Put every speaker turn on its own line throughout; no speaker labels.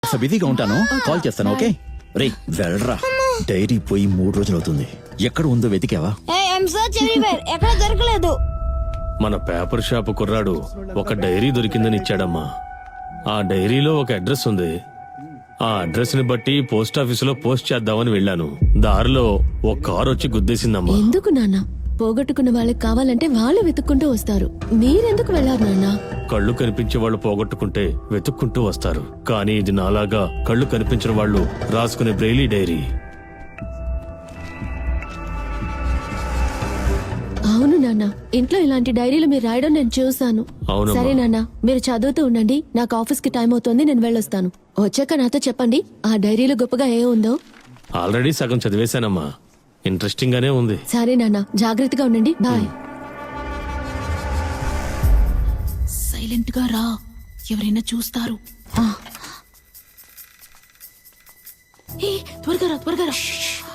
బిజీగా ఉంటాను, కాల్ చేస్తాను. ఓకే రే వెళ్ళరా. డైరీ పోయి 3 రోజులు అవుతుంది. ఎక్కడ ఉందో వెతికావా?
ఎక్కడ దొరకలేదు.
మన పేపర్ షాప్ కుర్రాడు ఒక డైరీ దొరికిందని ఇచ్చాడమ్మా. ఆ డైరీలో ఒక అడ్రస్ ఉంది. ఆ అడ్రస్ ని బట్టి పోస్ట్ ఆఫీసులో పోస్ట్ చేద్దామని వెళ్ళాను. దారిలో ఒక కారు వచ్చి గుద్దేసిందమ్మా.
ఎందుకు నాన్న? పోగొట్టుకున్న వాళ్ళకి కావాలంటే వాళ్ళు వెతుక్కుంటూ వస్తారు. మీరెందుకు వెళ్ళారు నాన్న?
కళ్ళు కనిపించే వాళ్ళు పోగొట్టుకుంటే వెతుక్కుంటూ వస్తారు, కానీ ఇది నాలాగా కళ్ళు కనిపించిన వాళ్ళు రాసుకునే బ్రెయిలీ డైరీ.
అవును నాన్న, ఇంట్లో ఇలాంటి డైరీలు మీరు రాయడం నేను చూసాను.
అవునమ్మా.
సరే నాన్న, మీరు చదువుతూ ఉండండి. నాకు ఆఫీస్ కి టైం అవుతుంది, నేను వెళ్ళొస్తాను. వచ్చాక నాతో చెప్పండి ఆ డైరీలో గొప్పగా ఏ ఉందో.
ఆల్రెడీ సగం చదివేశానమ్మా, ఇంట్రెస్టింగ్ గానే ఉంది.
సరే నాన్న, జాగ్రత్తగా ఉండండి. బాయ్.
సైలెంట్ గా రా, ఎవరైనా చూస్తారు. త్వరగా రా, త్వరగా రా.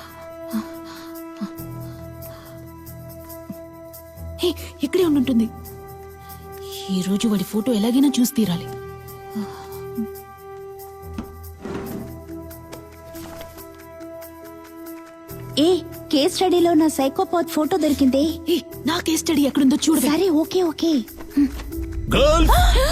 ఇక్కడే ఉండుంటుంది. ఈ రోజు వాడి ఫోటో ఎలాగైనా చూసి తీరాలి.
కేస్ స్టడీలో నా సైకోపాత్ ఫోటో దొరికింది.
నా కేస్ స్టడీ ఎక్కడుందో చూడు.
సరే okay okay.
Girl,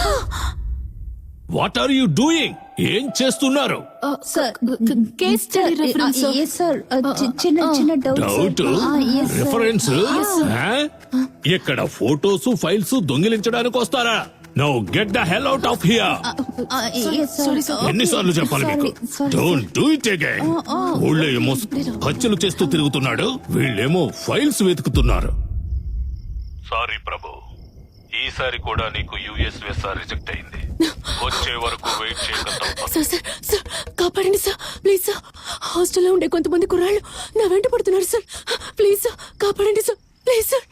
what are you doing? ఏం చేస్తున్నారు?
Case study reference.
సార్ చిన్న చిన్న
డౌట్ రిఫరెన్స్. ఇక్కడ ఫోటోస్ ఫైల్స్ దొంగిలించడానికి వస్తారా? Now get the hell out of here. ఎన్నిసార్లు చెప్పాలి మీకు? Don't do it again. ఊళ్ళో ఏమో హత్యలు చేస్తూ తిరుగుతున్నాడు, వీళ్ళేమో ఫైల్స్ వెతుకుతున్నారు. సారీ ప్రభు, ఈసారి కూడా నీకు యుఎస్ వీసా రిజెక్ట్ అయింది. వచ్చే వరకు వెయిట్ చేయగలుగుతాం.
సార్ సార్ సార్, కాపాడండి సార్, ప్లీజ్ సార్. హాస్టల్లో ఉండే కొంతమంది కుర్రాళ్ళు నా వెంట పడుతున్నారు సార్. ప్లీజ్ సార్, కాపాడండి sir, please sir.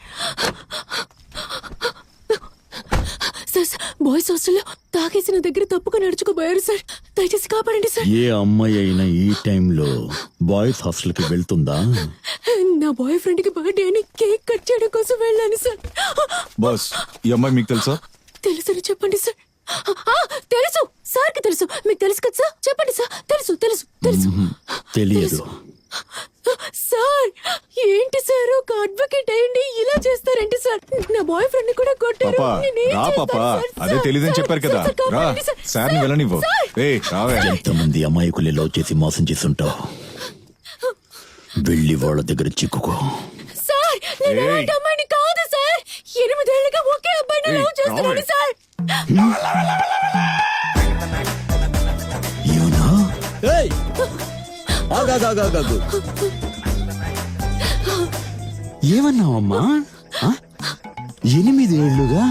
Sir sir, boys హాస్టల్లో తాగేసి నా దగ్గర తప్పుగా నడుచుకోబోయారు సార్. దయచేసి కాపాడండి సార్.
ఏ అమ్మాయి అయినా ఈ టైంలో బాయ్స్ హాస్టల్ కి వెళ్తుందా?
నా బాయ్ ఫ్రెండ్ కి బర్త్డే అని కేక్ కట్ చేయడం కోసం వెళ్ళాను సార్.
బాస్, ఈ అమ్మాయి మీకు తెలుసా?
తెలుసని చెప్పండి సార్. తెలుసు సార్ కి తెలుసు. మీకు తెలుసు కదా సార్? చెప్పండి సార్. తెలుసు తెలుసు తెలుసు.
తెలియదు
సార్. ఏంటి సార్, ఒక అడ్వకేట్ అయ్యండి ఇలా చేస్తారంటే సార్? నా బాయ్ ఫ్రెండ్ కూడా కొట్టారు.
పాపా రా పాపా, అదే తెలీదని చెప్పారు కదా. రా సార్ని వెళ్ళనివ్వు. రావే.
ఎంతమంది అమాయకుల్ని లవ్ చేసి మోసం చేస్తుంటావు. వెళ్ళి వాళ్ళ దగ్గర చిక్కుకో.
సార్, నేను అలాంటి అమ్మాయిని కాదు సార్. 8 ఏళ్లుగా ఒకే అబ్బాయిని లవ్ చేస్తున్నాను సార్.
యూనో ఏమన్నావమ్మా? 8 ఏళ్లుగా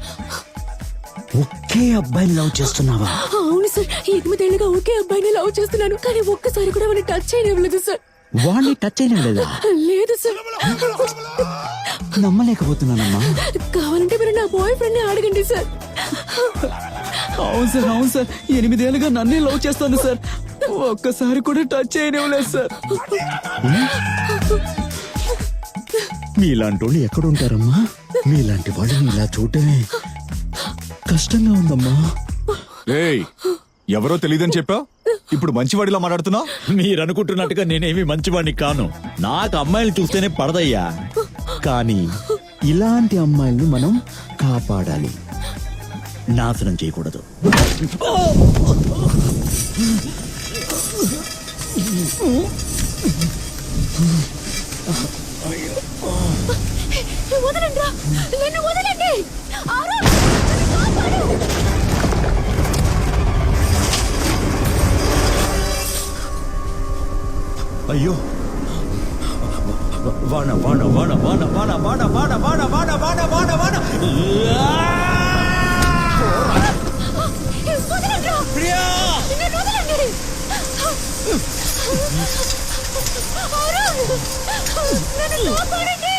ఒకే అబ్బాయిని లవ్ చేస్తున్నావా?
అవును సార్, 8 ఏళ్లుగా ఒకే అబ్బాయిని లవ్ చేస్తున్నాను, కానీ ఒక్కసారి కూడా వాడిని టచ్ చేయలేదు సార్.
వాడిని టచ్ అయినా లేదా?
లేదు సార్.
నమ్మలేకపోతున్నానమ్మా.
కావాలంటే మీరు నా బాయ్ ఫ్రెండ్ ని అడగండి సార్.
అవును సార్, అవును సార్, 8 ఏళ్ళుగా నన్నే లవ్ చేస్తాను సార్. ఒక్కసారి కూడా టచ్ చేయనివ్వలేదు సార్.
మీలాంటి వాళ్ళు ఎక్కడుంటారమ్మా? మీలాంటి వాళ్ళని ఇలా చూడటమే కష్టంగా ఉందమ్మా.
ఏయ్, ఎవరో తెలియదని చెప్పా, ఇప్పుడు మంచివాడిలా మాట్లాడుతున్నావు.
మీరు అనుకుంటున్నట్టుగా నేనేమి మంచివాడిని కాను. నాకు అమ్మాయిలు చూస్తేనే పడదయ్యా. కానీ ఇలాంటి అమ్మాయిల్ని మనం కాపాడాలి, నాశనం చేయకూడదు.
వదలండి రా, నన్ను వదలండి.
అయ్యో, వాన వాన వాన వాన వాన వాన వాన వాన వాన వాన వాన వాన. ప్రియా,
నన్ను కాపాడండి.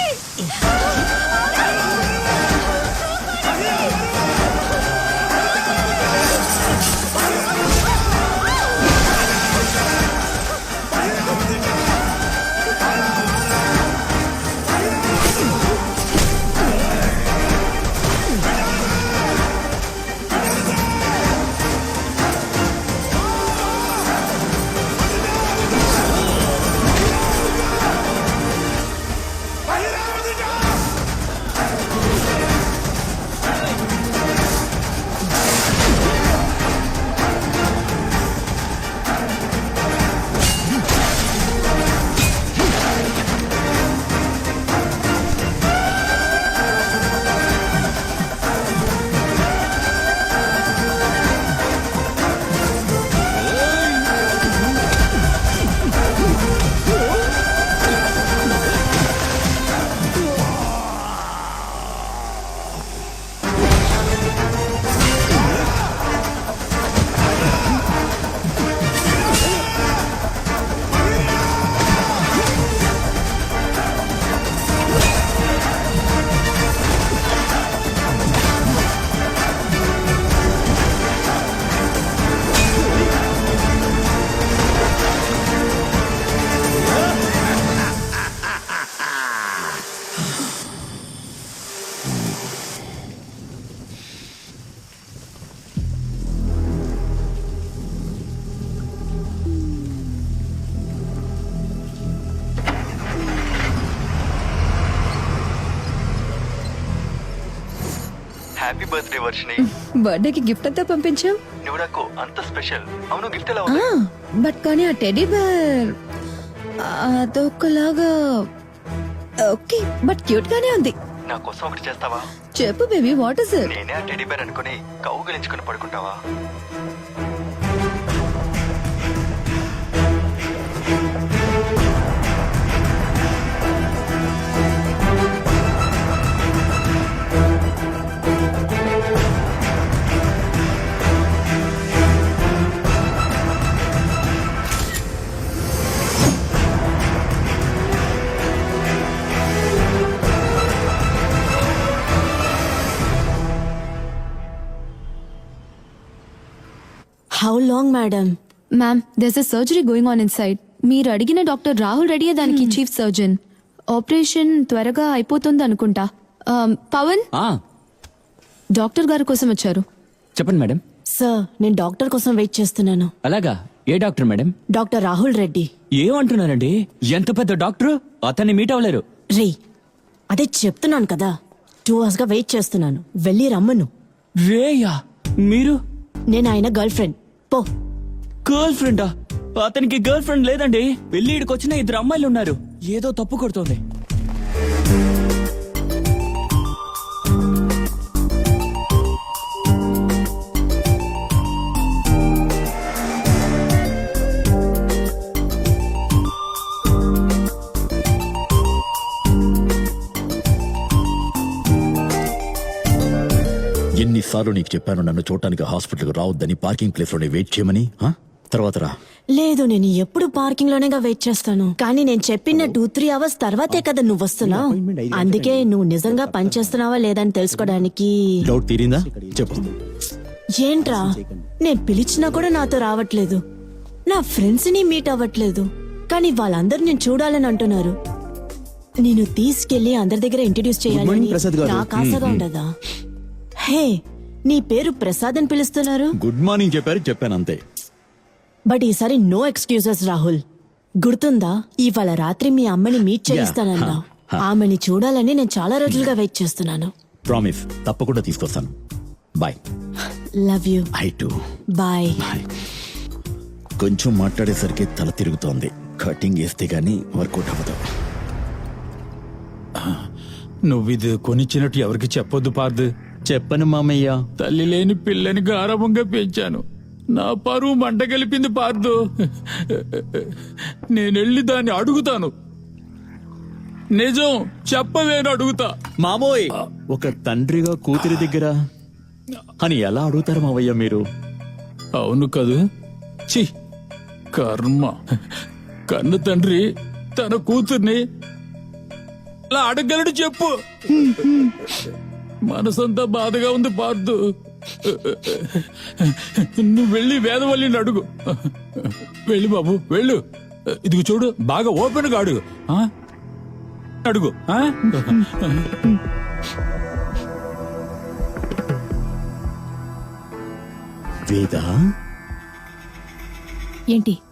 Happy birthday Varshini.
బర్త్డేకి గిఫ్ట్ అంతా పంపించాం.
నువ్వు నాకు అంత స్పెషల్. అవును, గిఫ్ట్ ఎలా ఉంది?
బట్ కానీ ఆ టెడీ బేర్ అదొకలాగా ఓకే, బట్ క్యూట్ గానే ఉంది.
నా కోసం ఒకటి చేస్తావా?
చెప్పు బేబీ, వాట్ ఇస్ ఇట్?
నేనే ఆ టెడ్డీ బేర్ అనుకుని కౌగిలించుకుని పడుకుంటావా?
How long madam?
Ma'am, there's a surgery going on inside. మీరు అడిగిన డాక్టర్ రాహుల్ రెడ్డియే దానికి చీఫ్ సర్జన్. ఆపరేషన్ త్వరగా అయిపోతుంది అనుకుంటా. పవన్, డాక్టర్ గారి కోసం వచ్చారు.
చెప్పండి మేడం.
సార్, నేను డాక్టర్ కోసం వెయిట్ చేస్తున్నాను.
అలాగా? ఏ doctor madam?
Doctor Rahul Reddy.
ఏమంటున్నారండి? ఎంత పెద్ద డాక్టర్, అతన్ని మీట్ అవ్వలేరు.
రే, అదే చెప్తున్నాను కదా, 2 hours గా వెయిట్ చేస్తున్నాను. వెళ్ళి రమ్మను.
రేయా, మీరు?
నేను ఆయన గర్ల్ ఫ్రెండ్. పో.
గర్ల్ ఫ్రెండా? అతనికి గర్ల్ ఫ్రెండ్ లేదండి. పెళ్లిడికి వచ్చిన 2 అమ్మాయిలు ఉన్నారు. ఏదో తప్పు కొడుతోంది.
ఎన్నిసార్లు నీకు చెప్పాను నన్ను చూడటానికి హాస్పిటల్కి రావద్దని, పార్కింగ్ ప్లేస్ లోనే వెయిట్ చేయమని? తర్వాత రా.
లేదు, నేను ఎప్పుడు పార్కింగ్ లోనేగా వెయిట్ చేస్తాను. కానీ నేను చెప్పిన 2-3 hours తర్వాతే కదా నువ్వు వస్తున్నావు. అందుకే నువ్వు నిజంగా పని చేస్తున్నావా లేదని తెలుసుకోవడానికి.
డౌట్ తీరిందా? చెప్పు.
ఏంట్రా, నేను పిలిచినా కూడా నాతో రావట్లేదు. నా ఫ్రెండ్స్ ని మీట్ అవ్వట్లేదు. కానీ వాళ్ళందరూ నేను చూడాలని అంటున్నారు. నేను తీసుకెళ్లి అందరి దగ్గర ఇంట్రడ్యూస్ చేయాలని నాకు ఆశగా ఉండదా? హే, నీ పేరు ప్రసాద్ అని పిలుస్తున్నారు.
గుడ్ మార్నింగ్ చెప్పాను అంతే.
బట్ ఈసారి నో ఎక్స్క్యూజెస్ రాహుల్. గుర్తుందా, ఇవాళ రాత్రి మీ అమ్మని మీట్ చేయిస్తానన్నా. ఆమెని చూడాలని నేను చాలా రోజులుగా వెయిట్ చేస్తున్నాను.
ప్రామిస్, తప్పకుండా తీసుకొస్తాను. Bye.
Love you.
I too.
Bye.
కొంచెం మాట్లాడేసరికి తల తిరుగుతోంది. కటింగ్ వేస్తే గానీ వర్కౌట్ అవ్వదు.
నువ్విది కొనిచ్చినట్టు ఎవరికి చెప్పొద్దు పార్దు.
చెప్పను మామయ్య.
తల్లి లేని పిల్లని గారవంగా పెంచాను. నా పరువు మంట కలిపింది పార్దు. నేనెళ్ళి దాన్ని అడుగుతాను. నిజం చెప్పవేను అడుగుతా.
మామోయ్, ఒక తండ్రిగా కూతురి దగ్గర అని ఎలా అడుగుతారు మావయ్య మీరు?
అవును కదూ. చి కర్మ. కన్ను తండ్రి తన కూతుర్ని అలా అడగలడు చెప్పు. మనసంతా బాధగా ఉంది పార్దు. నువ్వు వెళ్ళి వేదవల్లిని అడుగు. వెళ్ళి బాబు వెళ్ళు. ఇదిగో చూడు, బాగా ఓపెన్ గా అడుగు. అడుగు.
వేద
ఏంటి?